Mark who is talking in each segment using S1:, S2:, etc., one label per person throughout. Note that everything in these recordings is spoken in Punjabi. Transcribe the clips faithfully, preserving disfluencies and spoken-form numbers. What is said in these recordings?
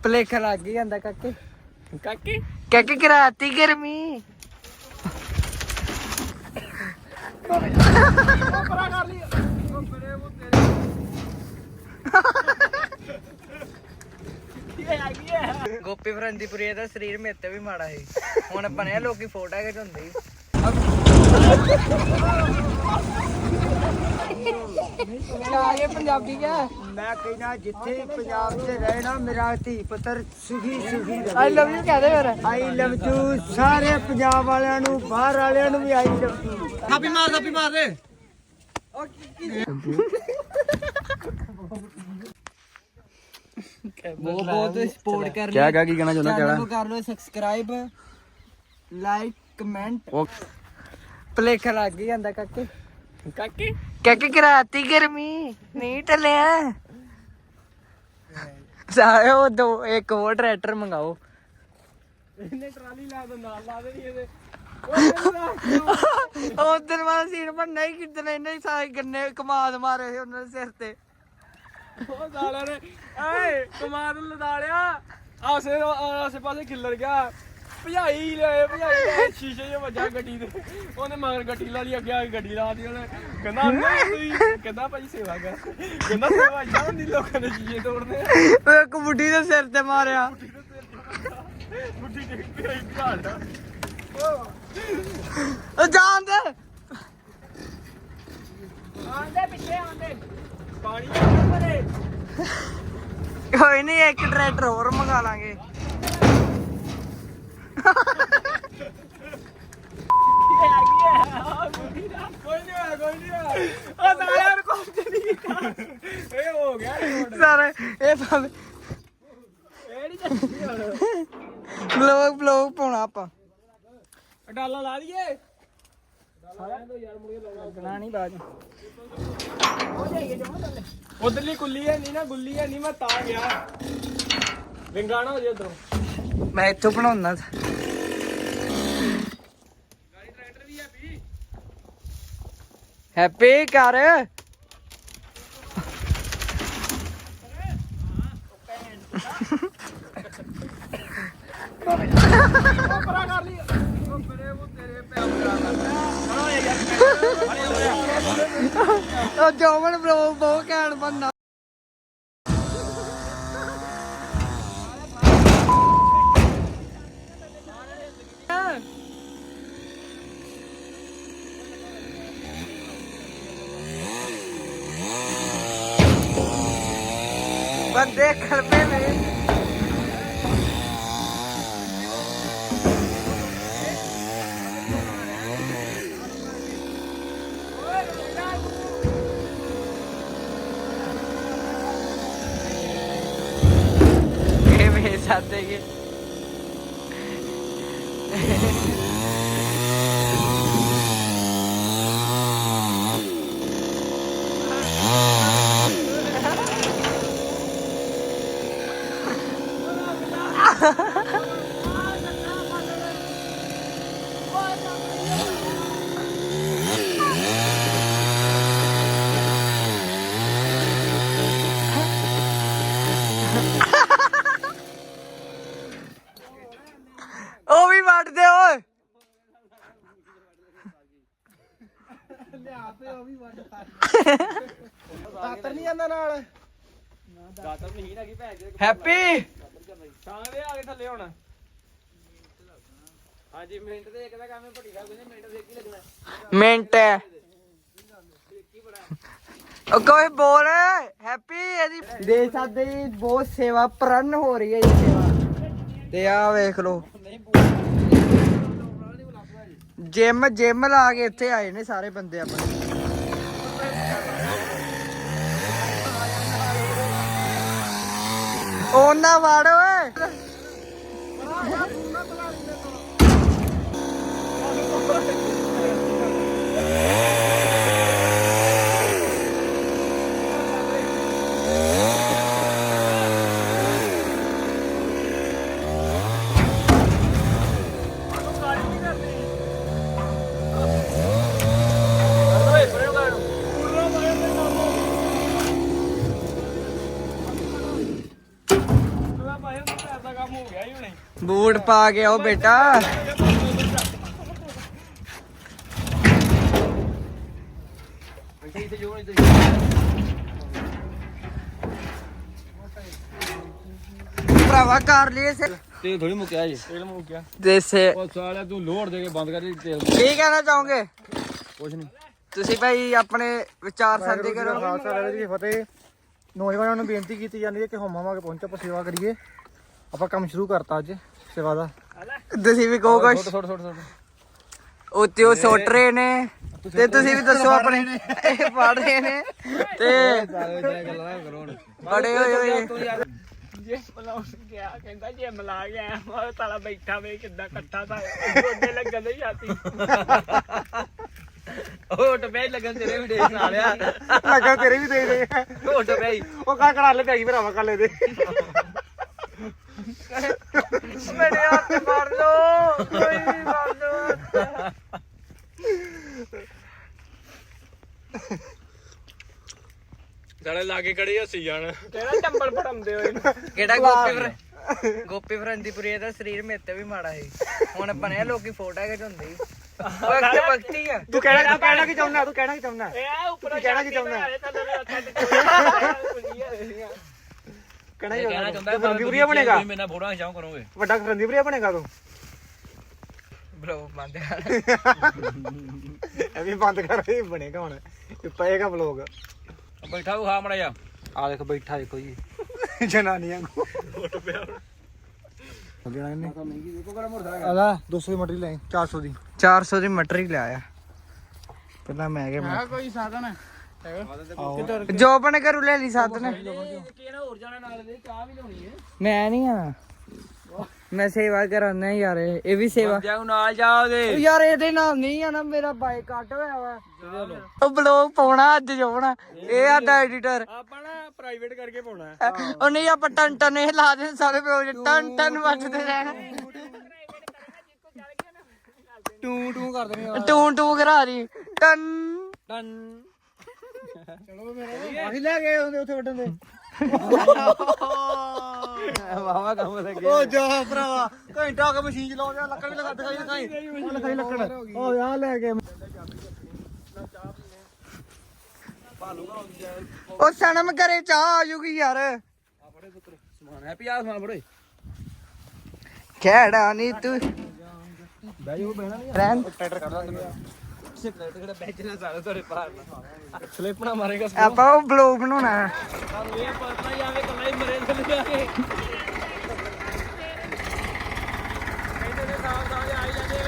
S1: ਭਲੇਖਾ ਲੱਗ ਹੀ ਜਾਂਦਾ ਕਾਕੇ
S2: ਕਾਕੇ
S1: ਕਾਕੇ ਕਰਾਤੀ ਗਰਮੀ
S2: ਪਰਾ ਕਰ ਲਈ ਉਹ ਬਰੇ ਉਹ ਤੇਰੇ ਕੀ ਆ ਗਿਆ
S1: ਗੋਪੀ ਫਰੰਦੀਪੁਰੀ ਦਾ ਸਰੀਰ ਮੇਰੇ ਤੇ ਵੀ ਮਾੜਾ ਸੀ ਹੁਣ ਬਣਿਆ ਲੋਕੀ ਫੋਟੋ ਖਿਚਾਉਂਦੇ ਆਗੇ ਪੰਜਾਬੀ ਕਿਆ
S2: ਮੈਂ ਕਹਿਣਾ ਜਿੱਥੇ ਪੰਜਾਬ 'ਚ ਰਹਿਣਾ ਮੇਰਾ ਧੀ ਪੁੱਤਰ ਸੁਖੀ ਸੁਖੀ ਰਹੇ
S1: ਆਈ ਲਵ ਯੂ ਕਹਦੇ ਫਿਰ
S2: ਆਈ ਲਵ ਯੂ ਸਾਰੇ ਪੰਜਾਬ ਵਾਲਿਆਂ ਨੂੰ ਬਾਹਰ ਵਾਲਿਆਂ ਨੂੰ ਵੀ ਆਈ ਲਵ ਯੂ
S1: ਥਾਪੀ ਮਾਰ ਥਾਪੀ ਮਾਰ ਦੇ ਬਹੁਤ ਬਹੁਤ ਸਪੋਰਟ ਕਰ
S2: ਕਿਆ ਕਿਆ ਕੀ ਕਹਿਣਾ ਚਾਹੁੰਦਾ
S1: ਚੈਨਲ ਨੂੰ ਕਰ ਲਓ ਸਬਸਕ੍ਰਾਈਬ ਲਾਈਕ ਕਮੈਂਟ ਭਲੇਖਾ ਲੱਗ ਹੀ ਜਾਂਦਾ ਕਾਕੇ
S2: ਕਾਕੇ
S1: ਕਾਕੇ ਕਰਾਤੀ ਗਰਮੀ ਨਹੀਂ ਟਲਿਆ ਸਾਰੇ ਉਹ ਦੋ ਇੱਕ ਹੋਰ ਟਰੈਕਟਰ ਮੰਗਾਓ
S2: ਇਹਨੇ ਟਰਾਲੀ ਲਾ ਦੋ ਨਾਲ ਲਾ ਦੇ ਇਹਦੇ
S1: ਉਧਰ ਵਾਲਾ ਸੀਨ ਬਣਨਾ ਹੀ ਕਿਦਨ ਇਹਨੇ ਸਾਰੇ ਗੰਨੇ ਕਮਾਦ ਮਾਰੇ ਸੀ ਉਹਨਾਂ ਦੇ ਸਿਰ ਤੇ
S2: ਉਹ ਸਾਲਿਆਂ ਨੇ ਏ ਕਮਾਦ ਲਦਾ ਲਿਆ ਆਸੇ ਆਸੇ ਪਾਸੇ ਖਿੱਲਰ ਗਿਆ ਭਜਾਈ ਲੈ ਭਜਾਈ ਲੈ ਸ਼ੀਸ਼ੇ 'ਚ ਵੱਜਾ ਗੱਡੀ ਦੇ ਉਹਨੇ ਮਗਰ ਗੱਡੀ ਲਾ ਲਈ ਅੱਗੇ ਆ ਕੇ ਗੱਡੀ ਲਾ ਦੀ ਉਹਨੇ ਕਹਿੰਦਾ ਨਹੀਂ ਤੁਸੀਂ ਕਹਿੰਦਾ ਭਾਈ ਸੇਵਾ ਕਰ ਕਹਿੰਦਾ ਸੇਵਾ ਇੱਦਾਂ ਹੁੰਦੀ ਲੋਕਾਂ ਦੇ ਸ਼ੀਸ਼ੇ ਤੋੜਦੇ
S1: ਉਹ ਇੱਕ ਬੁੱਢੀ ਦੇ ਸਿਰ ਤੇ ਮਾਰਿਆ
S2: ਬੁੱਢੀ ਡਿੱਗ ਪਈ ਘਾੜਾ
S1: ਉਹ ਜਾਣ ਦੇ
S2: ਆਂਦੇ ਪਿੱਛੇ ਆਂਦੇ ਪਾਣੀ ਆਂਦੇ ਪਰੇ
S1: ਕੋਈ ਨਹੀਂ ਇੱਕ ਟਰੈਕਟਰ ਹੋਰ ਮੰਗਾ ਲਾਂਗੇ
S2: ਕੋਈ ਨਹੀਂ ਹੋਇਆ ਕੋਈ ਨਹੀਂ ਹੋਇਆ ਉਹ ਸਾਲਿਆਂ ਨੂੰ ਕੁਝ ਨਹੀਂ ਕੀਤਾ ਇਹ ਹੋ ਗਿਆ
S1: ਸਾਰੇ ਇਹ ਭਾਵੇਂ
S2: ਇਹ ਨਹੀਂ ਚੱਲਦੀ ਹੁਣ
S1: ਬਲੌਗ ਬਲੌਗ ਪਾਉਣਾ ਆਪਾਂ
S2: ਡਾਲਾ ਲਾ ਲਈਏ ਸਾਰਿਆਂ ਤੋਂ ਯਾਰ ਮੁੜੇ
S1: ਲੱਗਣਾ ਨਹੀਂ ਬਾਜ
S2: ਹੋ ਜਾਈਏ ਜਮਾ ਥੱਲੇ ਉਧਰਲੀ ਕੁੱਲੀ ਹੈ ਨਹੀਂ ਨਾ ਗੁੱਲੀ ਹੈ ਨਹੀਂ ਮੈਂ ਤਾਂ ਗਿਆ ਵਿੰਗਾਣਾ ਹੋ ਜੇ ਉਧਰੋਂ
S1: ਮੈਂ ਇੱਥੋਂ ਬਣਾਉਣਾ
S2: ਗਾੜੀ ਟਰੈਕਟਰ ਵੀ ਹੈ ਵੀ
S1: ਹੈਪੀ ਕਰ
S2: ਪਰਾ ਕਰ ਲਈ ਉਹ ਬਰੇ ਉਹ ਤੇਰੇ ਪੈਰ ਕਰਾ ਕਰਦਾ ਯਾਰ
S1: ਉਹ ਜੋਵਨ ਬਲੌਗ ਬਹੁਤ ਘੈਂਟ ਬੰਨਾ ਬੰਦੇ ਖਲਪੇ ਨੇ ਇਹ ਮੇਰੇ ਸਾਥ ਹੈ ਉਹ ਵੀ ਵੱਢਦੇ ਓਏ
S2: ਲਿਆ ਤੇ ਉਹ ਵੀ ਵੱਡ ਦਾਤਰ ਨਹੀਂ ਜਾਂਦਾ ਨਾਲ ਦਾਤਰ ਨਹੀਂ ਹੈਗੀ ਭੈਣ ਦੇ
S1: ਹੈਪੀ
S2: ਛਾਂ ਦੇ ਆ ਕੇ ਥੱਲੇ ਹੁਣ ਹਾਂਜੀ ਮਿੰਟ ਦੇ ਇੱਕ ਦਾ ਕੰਮ ਹੈ ਭੱਟੀ ਦਾ ਕੋਈ ਮਿੰਟ ਦੇ ਕੀ ਲੱਗਣਾ
S1: ਮਿੰਟ ਹੈ ਉਹ ਕੋਈ ਬੋਲ ਹੈਪੀ ਇਹਦੀ ਦੇ ਸਾਡੇ ਬਹੁਤ ਸੇਵਾ ਪ੍ਰਣ ਹੋ ਰਹੀ ਹੈ ਇਹ ਸੇਵਾ ਤੇ ਆ ਵੇਖ ਲੋ ਜਿਮ ਜਿਮ ਲਾ ਕੇ ਇੱਥੇ ਆਏ ਨੇ ਸਾਰੇ ਬੰਦੇ ਆਪਣੇ ਉਹਨਾਂ ਵੜ ਓਏ
S2: ਪਾਏ ਹੁੰਦੇ ਪੈਰ ਦਾ ਕੰਮ ਹੋ ਗਿਆ ਹੀ ਹੁਣੇ
S1: ਬੂਟ ਪਾ ਕੇ ਆਓ ਬੇਟਾ। ਭਰਾਵਾ ਕਰ ਲਈ ਸੇ
S2: ਤੇਲ ਥੋੜੀ ਮੁੱਕਿਆ ਜੀ ਤੇਲ ਮੁੱਕਿਆ
S1: ਦੇਸੇ
S2: ਉਹ ਸਾਲਿਆ ਤੂੰ ਲੋੜ ਦੇ ਕੇ ਬੰਦ ਕਰ ਦੇ ਤੇਲ
S1: ਕੀ ਕਹਿਣਾ ਚਾਹੋਗੇ
S2: ਕੁਛ ਨਹੀਂ
S1: ਤੁਸੀਂ ਭਾਈ ਆਪਣੇ ਵਿਚਾਰ ਸਾਂਝੇ ਕਰੋ।
S3: ਖਾਲਸਾ ਵਾਹਿਗੁਰੂ ਜੀ ਕੀ ਫਤਿਹ। ਨੌਜਵਾਨਾਂ ਨੂੰ ਬੇਨਤੀ ਕੀਤੀ ਜਾਂਦੀ ਹੈ ਕਿ ਹੋਮਾਂ ਕੇ ਪਹੁੰਚੋ ਆਪਾਂ ਸੇਵਾ ਕਰੀਏ। ਆਪਾਂ ਕੰਮ ਸ਼ੁਰੂ ਕਰਤਾ ਅੱਜ ਸੇਵਾ ਦਾ।
S1: ਤੁਸੀਂ ਵੀ ਕਹੋ ਕੁਛ।
S2: ਛੋਟ ਛੋਟ ਛੋਟ
S1: ਉੱਤੇ ਉਹ ਸੁੱਟ ਰਹੇ ਨੇ ਤੇ ਤੁਸੀਂ ਵੀ ਦੱਸੋ ਆਪਣੇ ਇਹ ਪੜ ਰਹੇ ਨੇ ਤੇ ਬੜੇ ਹੋਏ ਹੋਏ
S2: ਜੇ ਮਲਾਉਣ ਗਿਆ ਕਹਿੰਦਾ ਜੇ ਮਲਾ ਗਿਆ ਉਹ ਤਾਲਾ ਬੈਠਾ ਵੇ ਕਿੱਦਾਂ ਇਕੱਠਾ ਤਾਂ ਗੋਡੇ ਲੱਗਣ ਦੇ ਛਾਤੀ
S1: ਹੋਟ ਪੈ ਲੱਗਣ ਤੇਰੇ ਵੀ ਦੇਖ ਨਾਲਿਆ
S3: ਲੱਗਾ ਤੇਰੇ ਵੀ ਦੇ ਦੇ
S1: ਹੋਟ ਪੈ
S3: ਉਹ ਕਾ ਕੜਾ ਲੈ ਪਈ ਭਰਾਵਾ ਕਾਲੇ ਦੇ
S1: ਮੇਰੇ ਹੱਥ ਮਾਰ ਲੋ ਕੋਈ ਵੀ ਮਾਰ ਲੋ।
S2: ਸਾਡੇ ਲਾਗੇ ਕੜੀ ਹੱਸੀ ਜਾਣ ਕਿਹੜਾ ਟੰਬਲ ਫੜਾਉਂਦੇ ਹੋਏ
S1: ਕਿਹੜਾ ਗੋਪੀ ਫਰ ਗੋਪੀ ਫਰੰਦੀਪੁਰੀ ਦਾ ਸਰੀਰ ਮੇਰੇ ਤੇ ਵੀ ਮਾੜਾ ਸੀ ਹੁਣ ਬਣਿਆ ਲੋਕੀ ਫੋਟੋ ਖਿਚਾਉਂਦੇ ਸੀ ਵਕਤ ਵਕਤੀ ਆ।
S3: ਤੂੰ ਕਹਿਣਾ ਤੂੰ ਕਹਿਣਾ ਕੀ ਚਾਹੁੰਦਾ ਤੂੰ ਕਹਿਣਾ ਕੀ ਚਾਹੁੰਦਾ
S2: ਇਹ ਉੱਪਰ
S3: ਕਹਿਣਾ ਕੀ ਚਾਹੁੰਦਾ ਕਹਿਣਾ ਕੀ ਚਾਹੁੰਦਾ ਫਰੰਦੀਪੁਰੀਆ ਬਣੇਗਾ
S2: ਮੇਰੇ ਨਾਲ ਫੋਟੋਆਂ ਖਿਚਾਉ ਕਰੋਗੇ
S3: ਵੱਡਾ ਫਰੰਦੀਪੁਰੀਆ ਬਣੇਗਾ ਤੂੰ
S1: ਬਲੋ ਬੰਦ
S3: ਇਹ ਵੀ ਬੰਦ ਕਰ ਇਹ ਬਣੇਗਾ ਹੁਣ ਇਹ ਪਏਗਾ ਵਲੋਗ।
S2: ਬੈਠਾ ਉਹ ਖਾ ਮੜਾ ਜਾ
S3: ਆ ਦੇਖ ਬੈਠਾ ਏ ਕੋਈ ਜਨਾਨੀਆਂ ਕੋ
S2: ਫੋਟੋ ਪਿਆ
S3: ਦੇਣਾ ਇਹਨੇ ਆਲਾ ਦੋ ਸੌ ਦੀ ਮਟਰੀ ਲੈ ਚਾਰ ਸੌ ਦੀ
S1: ਚਾਰ ਸੌ ਦੀ ਮਟਰ ਹੀ ਲਿਆਇਆ ਪਹਿਲਾਂ ਮੈਂ ਕਿਹਾ
S2: ਕੋਈ ਸਾਧਨ
S1: ਜੋਬਨ ਘਰੋਂ ਲੈ ਲਈ ਸਾਧਨ
S2: ਕਿਹੜਾ ਹੋਰ ਜਾਣਾ ਨਾਲ ਦੇ ਚਾਹ ਵੀ ਲਾਉਣੀ ਹੈ
S1: ਮੈਂ ਨਹੀਂ ਆ ਮੈਂ ਸੇਵਾ ਕਰਾਨਾ ਯਾਰ ਇਹ ਵੀ ਸੇਵਾ
S2: ਬੰਦਿਆਂ ਨੂੰ ਨਾਲ ਜਾ ਉਹਦੇ
S1: ਯਾਰ ਇਹਦੇ ਨਾਲ ਨਹੀਂ ਆਣਾ ਮੇਰਾ ਬਾਈਕ ਕੱਟ ਹੋਇਆ ਵਾ ਉਹ ਬਲੌਗ ਪਾਉਣਾ ਅੱਜ ਜਾਉਣਾ ਇਹ ਸਾਡਾ ਐਡੀਟਰ
S2: ਆਪਾਂ ਨਾ ਪ੍ਰਾਈਵੇਟ ਕਰਕੇ ਪਾਉਣਾ
S1: ਉਹ ਨਹੀਂ ਆਪਾਂ ਟਨ ਟਨ ਇਹ ਲਾ ਦੇ ਸਾਰੇ ਪਿਓ ਟਨ ਟਨ ਵੱਜਦੇ ਰਹਿਣਾ
S3: ਟੂ ਟੂ ਕਰ ਦੇਣੀ
S1: ਟੂੰ ਟੂੰ ਕਰਾ ਰਹੀ ਟਨ
S2: ਟਨ
S3: ਅਸੀਂ ਲੈ ਗਏ ਹੁੰਦੇ ਉੱਥੇ ਵੱਡਣ ਦੇ
S2: ਵਾਵਾ ਕੰਮ ਲੱਗੇ
S3: ਉਹ ਜਾ ਭਰਾਵਾ ਘੰਟਾ ਹੋ ਗਿਆ ਮਸ਼ੀਨ ਚਲਾਉ ਜਾ ਲੱਕੜ ਵੀ ਲਗਾ ਦਿਖਾਈ ਦਿਖਾਈ ਉਹ ਲਿਖਾਈ ਲੱਕੜ ਉਹ ਯਾਰ ਲੈ ਕੇ
S1: ਉਹ ਸਨਮ ਘਰੇ ਚਾਹ ਆ ਜੂਗੀ ਯਾਰ
S2: ਸਮਾਨ ਹੈ ਪਿਆ ਸਮਾਨ ਬੜੇ
S1: ਖੇੜਾ ਨਹੀਂ ਤੂੰ
S3: ਬਹਿ ਜਾ ਬਹਿਣਾ ਨਹੀਂ
S1: ਰਹਿਣ
S3: ਟਰੈਕਟਰ ਕੱਢ ਦਾਂਗੇ
S2: ਜਿਹੜਾ ਬੈਜਣਾ ਸਾਰੇ ਤੁਹਾਡੇ ਪਾਰ ਸਲਿੱਪ ਨਾ ਮਾਰੇਗਾ
S1: ਆਪਾਂ ਉਹ ਬਲੌਗ ਬਣਾਉਣਾ
S2: ਸਾਨੂੰ ਇਹ ਪਤਾ ਹੀ ਆਵੇ ਕੱਲਾ ਹੀ ਮਰੇ ਥੱਲੇ ਜਾ ਕੇ ਕਹਿੰਦੇ ਨੇ ਸਾਹ ਸਾਹ ਆਈ ਜਾਂਦੇ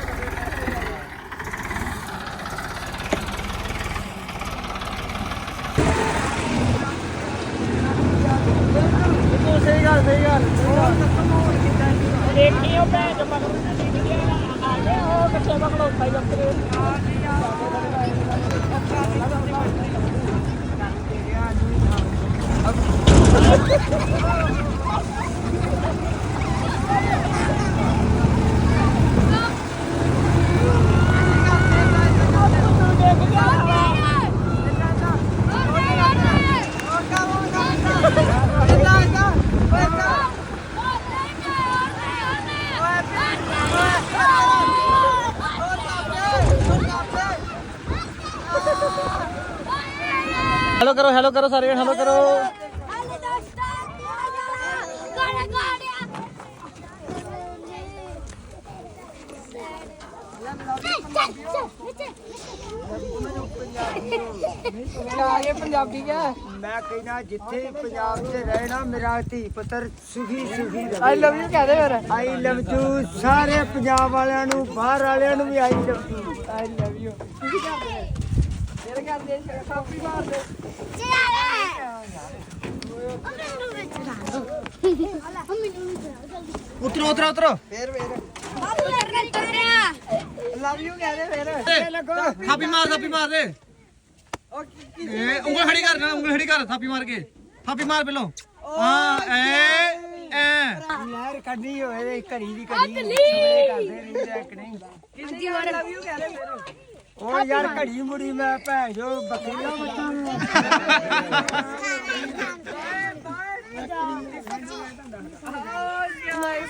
S3: ਸਹੀ ਗੱਲ ਸਹੀ ਗੱਲ
S2: ਦੇਖੀ ਉਹ ਭੈਣ ਜੋ ਮਗਰ ਆ ਗਏ ਉਹ ਕੱਚੇ ਮਗਰ ਉੱਠਾਈ ਜਾਂਦੇ
S3: ਹੈਲੋ ਕਰੋ ਹੈਲੋ ਕਰੋ ਸਾਰੇ ਹੈਲੋ ਕਰੋ
S1: ਆਗੇ ਪੰਜਾਬੀ ਕਿਆ
S3: ਮੈਂ ਕਹਿੰਦਾ ਜਿੱਥੇ ਪੰਜਾਬ 'ਚ ਰਹਿਣਾ ਮੇਰਾ ਧੀ ਪੁੱਤਰ ਸੁਖੀ ਸੁਖੀ ਰਹੇ
S1: ਆਈ ਲਵ ਯੂ ਕਹਦੇ ਫਿਰ
S3: ਆਈ ਲਵ ਯੂ ਸਾਰੇ ਪੰਜਾਬ ਵਾਲਿਆਂ ਨੂੰ ਬਾਹਰ ਵਾਲਿਆਂ ਨੂੰ ਵੀ ਆਈ love you
S1: I love you ਮੇਰੇ ਘਰ ਦੇ ਕਾਪੀ ਮਾਰ ਦੇ
S3: ਉਤਰੋ ਉਤਰੋ ਉਤਰੋ
S1: ਫੇਰ ਫੇਰ ਲਵ ਯੂ ਕਹਦੇ ਫਿਰ
S3: ਥਾਪੀ ਮਾਰ ਥਾਪੀ ਮਾਰ ਦੇ
S1: ਉਹ ਕੀ
S3: ਏ ਉਂਗਲ ਖੜੀ ਕਰ ਨਾ ਉਂਗਲ ਖੜੀ ਕਰ ਥਾਪੀ ਮਾਰ ਕੇ ਥਾਪੀ ਮਾਰ ਪਹਿਲੋਂ ਹਾਂ ਐ ਐ ਯਾਰ ਕੱਢੀ ਹੋਏ ਘੜੀ ਦੀ ਘੜੀ ਕਰਦੇ ਨਹੀਂ ਰੈਕ ਨਹੀਂ
S1: ਕਿੰਨੀ ਵਾਰ ਲਵ ਯੂ ਕਹਦੇ ਫਿਰ
S3: ਉਹ ਯਾਰ ਘੜੀ ਮੁੜੀ ਮੈਂ ਭੈਣ ਜੋ ਬੱਕਰੀਆਂ ਬੱਚਾਂ ਨੂੰ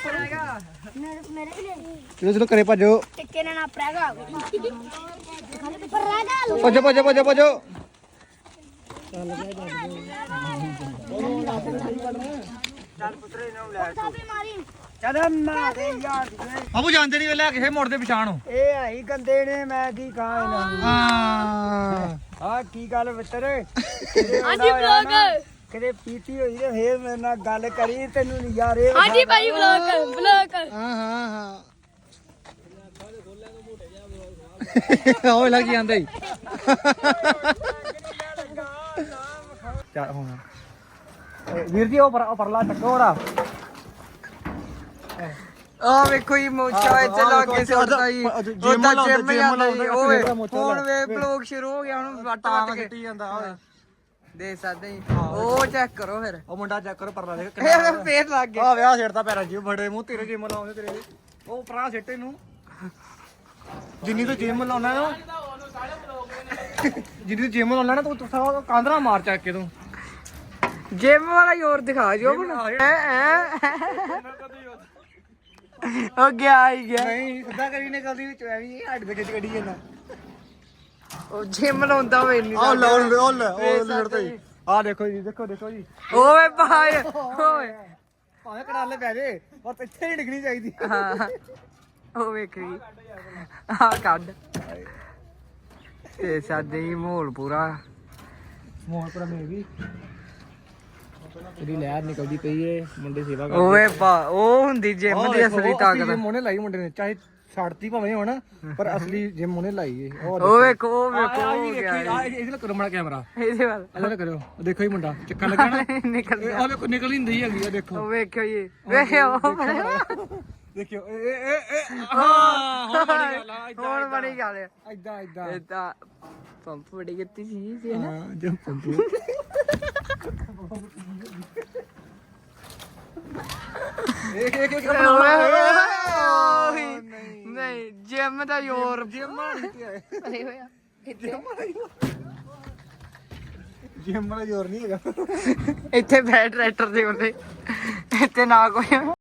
S4: ਮੇਰੇ ਮੇਰੇ ਵੀ ਲੈ
S3: ਚਲੋ ਚਲੋ ਘਰੇ ਭੱਜੋ
S4: ਟਿੱਕੇ ਨਾਲ ਨਾ ਪ੍ਰੈਗਾ ਪ੍ਰੈਗਾ
S3: ਭੱਜੋ ਭੱਜੋ ਭੱਜੋ ਭੱਜੋ
S4: ਸਾਬੀ ਮਾਰੀ
S1: ਚੱਲ ਨਾ ਦੇ ਯਾਰ
S3: ਬਾਬੂ ਜਾਂਦੇ ਨਹੀਂ ਵੇਲੇ ਕਿਸੇ ਮੋੜ ਦੇ ਪਛਾਣ
S1: ਇਹ ਆਈ ਗੰਦੇ ਨੇ ਮੈਂ ਕੀ ਕਹਾਂ ਇਹਨਾਂ ਨੂੰ
S3: ਹਾਂ
S1: ਆ ਕੀ ਗੱਲ ਮਿੱਤਰ
S4: ਹਾਂਜੀ ਵਲੌਗ
S1: ਕਿਤੇ ਪੀਤੀ ਹੋਈ ਤੇ ਫੇਰ ਮੇਰੇ ਨਾਲ ਗੱਲ ਕਰੀ ਤੈਨੂੰ ਨਜ਼ਾਰੇ
S4: ਹਾਂਜੀ ਭਾਈ ਵਲੌਗ ਵਲੌਗ
S3: ਹਾਂ ਹਾਂ ਹਾਂ ਉਹ ਲੱਗ ਜਾਂਦਾ ਹੀ ਚੱਲ ਹੁਣ ਵੀਰ ਜੀ ਉਹ ਪਰ ਉਹ ਪਰਲਾ ਟੱਕੋ ਰਾ
S1: ਆ ਵੇਖੋ ਜੀ ਮੋਚਾ ਇੱਥੇ ਲਾ ਕੇ ਸੁੱਟਦਾ ਜੀ ਉਹਦਾ ਜਿਮ ਜਾਂਦਾ ਜੀ ਓਏ ਹੁਣ ਵੇ ਬਲੌਗ ਸ਼ੁਰੂ ਹੋ ਗਿਆ ਹੁਣ ਵੱਟ ਵੱਟ ਕੇ
S3: ਜਾਂਦਾ ਓਏ
S1: ਦੇ ਸਕਦੇ ਜੀ ਉਹ ਚੈੱਕ ਕਰੋ ਫਿਰ
S3: ਉਹ ਮੁੰਡਾ ਚੈੱਕ ਕਰੋ ਪਰਲਾ ਦੇਖ
S1: ਇਹ ਫੇਰ ਲੱਗ ਗਿਆ
S3: ਆ ਵਿਆਹ ਛੇੜਦਾ ਪੈਰਾਂ ਜੀ ਬੜੇ ਮੂੰਹ ਤੇਰੇ ਜਿਮ ਲਾਉਂਦੇ ਤੇਰੇ ਉਹ ਪਰਾਂ ਸਿੱਟੇ ਨੂੰ ਜਿੰਨੀ ਤੂੰ ਜਿਮ ਲਾਉਣਾ ਨਾ ਜਿੰਨੀ ਤੂੰ ਜਿਮ ਲਾਉਣਾ ਨਾ ਤੂੰ ਤੂੰ ਕਾਂਦਰਾ ਮਾਰ ਚੱਕ ਕੇ ਤੂੰ
S1: ਜਿਮ ਵਾਲਾ ਜ਼ੋਰ ਦਿਖਾ ਜੋ ਉਹ ਗਿਆ ਹੀ ਗਿਆ
S3: ਨਹੀਂ ਸਿੱਧਾ ਕਰੀ ਨਿਕਲਦੀ ਵਿੱਚ ਐਵੇਂ ਹੱਡ ਦੇ ਖਿੱਚ ਕੱਢੀ ਜਾਂਦਾ
S1: ਉਹ ਜਿਮ ਲਾਉਂਦਾ ਹੋਵੇ ਨਹੀਂ
S3: ਆਹ ਲਓ ਉਹ ਲੈ ਉਹ ਲੜਦਾ ਜੀ ਆਹ ਦੇਖੋ ਜੀ ਦੇਖੋ ਦੇਖੋ ਜੀ
S1: ਓਏ ਭਾਈ ਓਏ
S3: ਭਾਵੇਂ ਕੜਾਲੇ ਪੈ ਜੇ ਪਰ ਇੱਥੇ ਨਹੀਂ ਡਿੱਗਣੀ ਚਾਹੀਦੀ
S1: ਹਾਂ ਉਹ ਵੇਖ ਜੀ ਆ ਕੱਢ ਤੇ ਸਾਡੇ ਹੀ ਮਾਹੌਲ ਪੂਰਾ
S3: ਮੋਹਰ ਪਰ ਮੇ ਵੀ ਤੇਰੀ ਲਹਿਰ ਨਿਕਲਦੀ ਪਈ ਏ ਮੁੰਡੇ ਸੇਵਾ ਕਰਦੇ
S1: ਓਏ ਭਾ ਉਹ ਹੁੰਦੀ ਜਿਮ ਦੀ ਅਸਲੀ ਤਾਕਤ
S3: ਜਿਮ ਉਹਨੇ ਲਾਈ ਮੁੰਡੇ ਨੇ ਚਾਹੇ ਛੱਡਤੀ ਭਾਵੇਂ ਹੁਣ ਪਰ ਅਸਲੀ ਜਿਮ ਉਹਨੇ ਲਾਈ ਏ
S1: ਉਹ ਵੇਖੋ ਉਹ ਵੇਖੋ ਹੋ ਗਿਆ
S3: ਇਹਦੇ ਨਾਲ ਕਰੋ ਮੜਾ ਕੈਮਰਾ
S1: ਇਹਦੇ ਵੱਲ
S3: ਇਹਦੇ ਨਾਲ ਕਰਿਓ ਦੇਖੋ ਹੀ ਮੁੰਡਾ ਚੱਕਾ ਲੱਗਾ ਨਾ
S1: ਨਿਕਲ
S3: ਆਹ ਵੇਖੋ ਨਿਕਲ ਹੀ ਨਹੀਂ ਹੈਗੀ ਆ ਦੇਖੋ
S1: ਉਹ ਵੇਖਿਓ ਜੀ ਵੇਖਿਓ
S3: ਦੇਖਿਓ ਇਹ ਇਹ ਇਹ ਹਾਂ ਹੁਣ ਬੜੀ ਗੱਲ ਆ
S1: ਹੁਣ ਬੜੀ ਗੱਲ ਆ
S3: ਇਦਾਂ ਇਦਾਂ
S1: ਇਹ ਤਾਂ ਪੰਪ ਬੜੀ ਕੀਤੀ ਸੀ ਸੀ ਨਾ
S3: ਹਾਂ ਜੰਪ ਪੰਪ ਇੱਕ ਇੱਕ ਇੱਕ
S1: ਨਹੀਂ ਜਿਮ ਦਾ ਯੋਰ
S3: ਜਿਮ ਵਾਲੀ ਤੇ ਆਏ
S1: ਅਰੇ ਹੋਇਆ
S3: ਜਿਮ ਵਾਲਾ ਜ਼ੋਰ ਨਹੀਂ ਹੈਗਾ
S1: ਇੱਥੇ ਬੈਠ ਟਰੈਕਟਰ ਦੇ ਉੱਤੇ ਇੱਥੇ ਨਾ ਕੋਈ